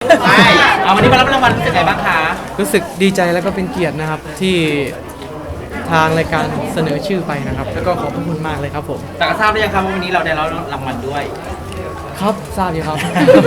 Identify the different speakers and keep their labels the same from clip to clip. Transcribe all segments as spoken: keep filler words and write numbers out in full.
Speaker 1: ใช่เอาวันนี้มารับรางวัลรู้สึกไงบ้างคะ
Speaker 2: รู้สึกดีใจแล้วก็เป็นเกียรตินะครับที่ทางรายการเสนอชื่อไปนะครับ แล้วก็ขอบพระคุณมากเลยครับผม
Speaker 1: แต่ก็ทราบหรือยังครับว่าวันนี้เราได้รับรางวัลด้วย
Speaker 2: ครับทราบอยู่ครับ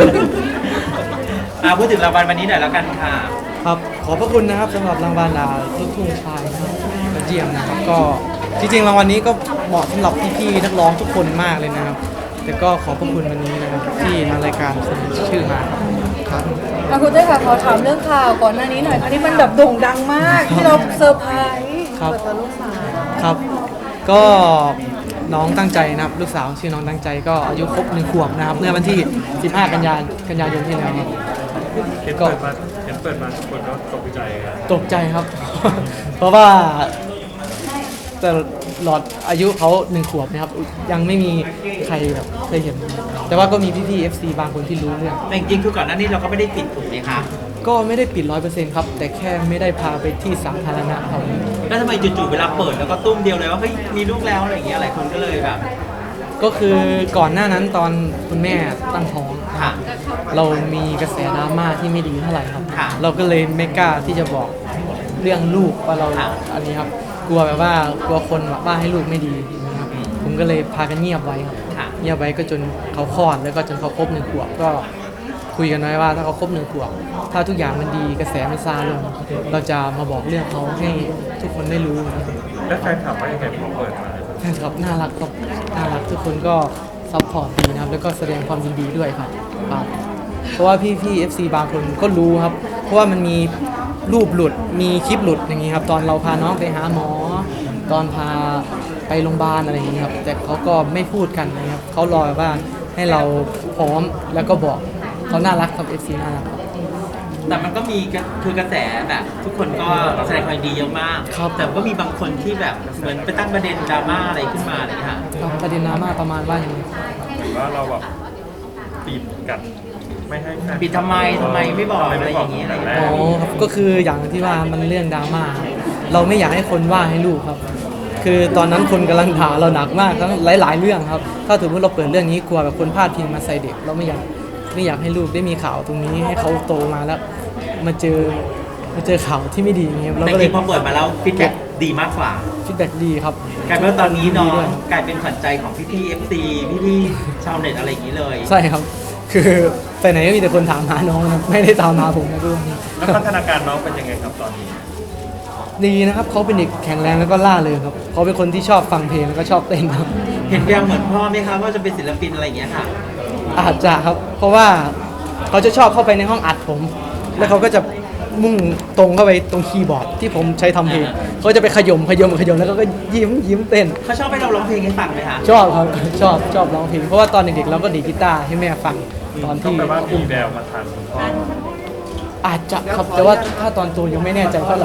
Speaker 1: อ่าพูดถึงรางวัลวันนี้หน่อยแล้วกันค่ะ
Speaker 2: ครับขอบพระคุณนะครับสำหรับรางวัลอ่าลูกทุ่งชายนะครับยอดเยี่ยมนะครับก็จริงๆรางวัลนี้ก็เหมาะสำหรับพี่ๆนักร้องทุกคนมากเลยนะครับ แต่ก็ขอบพระคุณวันนี้นะครับที่ทางรายการเสนอชื่อมาครับ
Speaker 3: อ่ะคุณเต้ยค่ะขอถามเรื่องข่าวก่อนหน้านี้หน่อยค่ะที่มันแบบโด่งดังมากที่เราเซอร์ไพรส์
Speaker 2: ครับ
Speaker 3: เปิดตัวลูกสาว
Speaker 2: ครับ ก็น้องตั้งใจนะครับลูกสาวชื่อน้องตั้งใจก็อายุครบหนึ่งขวบนะครับเมื่อวันที่สิบห้ากันยายนกันยายนที่แล้วครับ
Speaker 4: เห็นเปิดมาเห็นเปิดมาทุกคนก็ตกใจครับ
Speaker 2: ตกใจครับ เพราะว่าแต่หลอดอายุเขาหนึ่งขวบนะครับยังไม่มีใครแบบเคยเห็น แต่ว่าก็มีพี่ๆ เอฟ ซี บางคนที่รู้เรื่อง
Speaker 1: แต่จริงๆคือก่อนหน้านี้เราก็ไม่ได้ปิดถูกไหมคะ
Speaker 2: ก็ไม่ได้ปิดร้อยเปอร์เซ็นต์ครับ แต่แค่ไม่ได้พาไปที่สาธารณะครับ
Speaker 1: แล้วทำไมจู่ๆเวลาเปิดแล้วก็ตุ้มเดียวเลยว่าเฮ้ยมีลูกแล้วอะไรอย่างเงี้ยหลายคนก็เลยแบบ
Speaker 2: ก็คือก่อนหน้านั้นตอนคุณแม่ตั้งท้อง
Speaker 1: ค่ะ
Speaker 2: เรามีกระแสดราม่าที่ไม่ดีเท่าไหร่ครับ
Speaker 1: ค่ะ
Speaker 2: เราก็เลยไม่กล้าที่จะบอกเรื่องลูกว่าเรา
Speaker 1: ค่ะ
Speaker 2: อันนี้ครับ กลัวแบบว่ากลัวคนแบบว่าให้ลูกไม่ดีนะครับ ผมก็เลยพากันเงียบไว้ครับ
Speaker 1: ค่ะ
Speaker 2: เงียบไว้ก็จนเขาคลอดแล้วก็จนเขาครบหนึ่งขวบก็คุยกันไว้ว่าถ้าเขาครบหนึ่งขวบถ้าทุกอย่างมันดีกระแสมันซาลง เราจะมาบอกเรื่องเขาให้ทุกคนได้รู้นะครับ
Speaker 4: แล้วแฟนถามว่ายังไงพอเปิดมา
Speaker 2: แฟนคลับน่ารักครับน่ารักทุกคนก็ซัพพอร์ตดีนะครับแล้วก็แสดงความยินดีด้วยครับครับเพราะว่าพี่พี่ เอฟ ซี บางคนก็รู้ครับ เพราะว่ามันมีรูปหลุดมีคลิปหลุดอย่างนี้ครับตอนเราพาน้องไปหาหมอ ตอนพาไปโรงพยาบาลอะไรอย่างนี้ครับแต่เขาก็ไม่พูดกันนะครับเขารอว่าให้เราพร้อมแล้วก็บอกเขาน่ารักครับ เอฟ ซี น่ารักครับ
Speaker 1: แต่มันก็มีกระคือกระแสแบบทุกคนก็แสดงความยินดีเยอะมาก
Speaker 2: ครับ
Speaker 1: แต่ก็มีบางคนที่แบบเหมือนไปตั้งประเด็นดราม่าอะไรขึ้นมาอะไรอย่างเงี้ยค่ะ
Speaker 2: ครับประเด็นดราม่าประมาณว่าอย่างไร
Speaker 4: หรือว่าเราแบบปิดกันไม่ให้แฟน
Speaker 1: ปิดทำไมทำไมไม่บอกอะไรอย่างนี้อะไรอย่างเงี้ย
Speaker 2: อ๋อครับก็คืออย่างที่ว่ามันเรื่องดราม่าเราไม่อยากให้คนว่าให้ลูกครับ คือตอนนั้นคนกำลังด่าเราหนักมากทั้งหลายๆเรื่องครับ ถ้าถือว่าเราเปิดเรื่องนี้กลัวแบบคนพลาดพิงมาใส่เด็ก เราไม่อยากไม่อยากให้ลูกได้มีข่าวตรงนี้ให้เขาโตมาแล้ว มาเจอมาเจอข่าวที่ไม่ดีอย่างเงี้ยเรา
Speaker 1: แต่
Speaker 2: ก็
Speaker 1: จ
Speaker 2: เล
Speaker 1: ริ
Speaker 2: ย
Speaker 1: งๆพอเปิดมาแล้วฟีดแบ็กดีมากกว่า
Speaker 2: ฟีดแบ็กดีครับ
Speaker 1: กลายเป็นว่าตอนนี้น้อ
Speaker 2: ดี
Speaker 1: ง
Speaker 2: ด้วย
Speaker 1: กลายเป็นขวัญใจของพี่ๆ เอฟ ซี พี่ๆ ชาวเน็ตอะไรอย่างนี้เลย
Speaker 2: ใช่ครับ คือไปไหนก็มีแต่คนถามหาน้องนะไม่ได้ตามหาผมนะด้วย
Speaker 4: แล้วพัฒนาการน้องเป็นยังไงครับตอนนี้
Speaker 2: ดีนะครับเขาเป็นเด็กแข็งแรงแล้วก็ล่าเริงครับเขาเป็นคนที่ชอบฟังเพลงแล้วก็ชอบเต้นครับ
Speaker 1: เห็นแววเหมือนพ่อไหมคะว่าจะเป็นศิลปินอะไรอย่างเงี้ยค่ะ
Speaker 2: อาจจะครับ เพราะว่าเขาจะชอบเข้าไปในห้องอัดผม แล้วเขาก็จะมุ่งตรงเข้าไปตรงคีย์บอร์ดที่ผมใช้ทำเพลงเขาจะไปขยมขยมขยมแล้วก็ยิ้มยิ้มเต้น
Speaker 1: เขาชอบให้เราร้องเพลงให้ฟังไหมคะ
Speaker 2: ชอบครับ ชอบชอบร้องเพลงเพราะว่าตอนเด็กๆเราก็ดีดกีตาร์ให้แม่ฟังตอน
Speaker 4: ก็
Speaker 2: ที่
Speaker 4: แปลว่ามีแววมาทันคุณพ่อ
Speaker 2: อาจจะครับแต่ว่าถ้าตอนโตยังไม่แน่ใจเท่าไหร่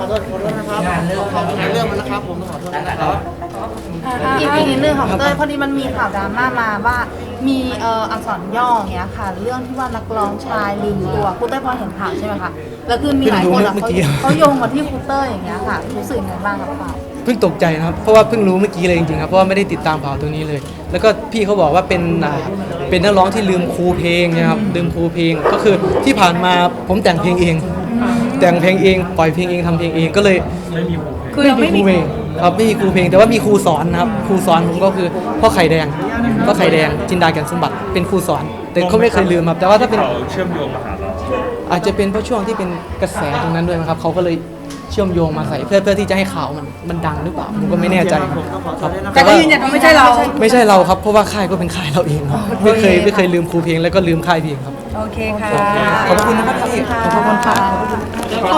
Speaker 3: อีกอีกนิดนึงค่ะคุณเต้ยพอดีมันมีข่าวดราม่ามาว่ามีเอ่ออักษรย่ออย่างเงี้ยค่ะ เรื่องที่ว่านักร้องชายลืมตัวคุณเต้ยพอเห็นข่าวใช่ไหมคะแล้วคือมีหลายคนอะเขาเขาโยงมาที่คุณเต้ยอย่างเงี้ยค่ะรู้สึกยังไงบ้างกับข่าว
Speaker 2: เพิ่งตกใจนะครับเพราะว่าเพิ่งรู้เมื่อกี้เลยจริงๆครับเพราะว่าไม่ได้ติดตามข่าวตรงนี้เลย แล้วก็พี่เขาบอกว่าเป็นอ่าเป็นนักร้องที่ลืมครูเพลงนะครับลืมครูเพลงก็คือที่ผ่านมาผมแต่งเพลงเอง แต่งเพลงเองปล่อยเพลงเองทำเพลงเองก็เลย
Speaker 4: ไม่มีหู
Speaker 3: คือเราไม่มี
Speaker 2: ครูเพลงครับไม่มีครูเพลงแต่ว่ามีครูสอนนะครับครูสอนผมก็คือพ่อไข่แดงพ่อไข่แดงจินดาแก่นสมบัติเป็นครูสอน แต่เขาไม่เคยลืมครับแต่ว่าถ้าเป็น
Speaker 4: เขาเชื่อมโยงมาหาเรา
Speaker 2: อาจจะเป็นเพราะช่วงที่เป็นกระแสตรงนั้นด้วยนะครับเขาก็เลยเชื่อมโยงมาใส่เพื่อเพื่อที่จะให้ข่าวมันมันดังหรือเปล่าผมก็ไม่แน่ใจครับ
Speaker 3: แต่ก็ยืนยันว่าไม่ใช่เรา
Speaker 2: ไม่ใช่เราครับเพราะว่าค่ายก็เป็นค่ายเราเองครับไม่เคยไม่เคยลืมครูเพลงแล้วก็ลืมค่ายเพลงครับ
Speaker 3: โอเคค่ะ
Speaker 2: ขอบคุณนะครับพี่ขอบคุณค่ะ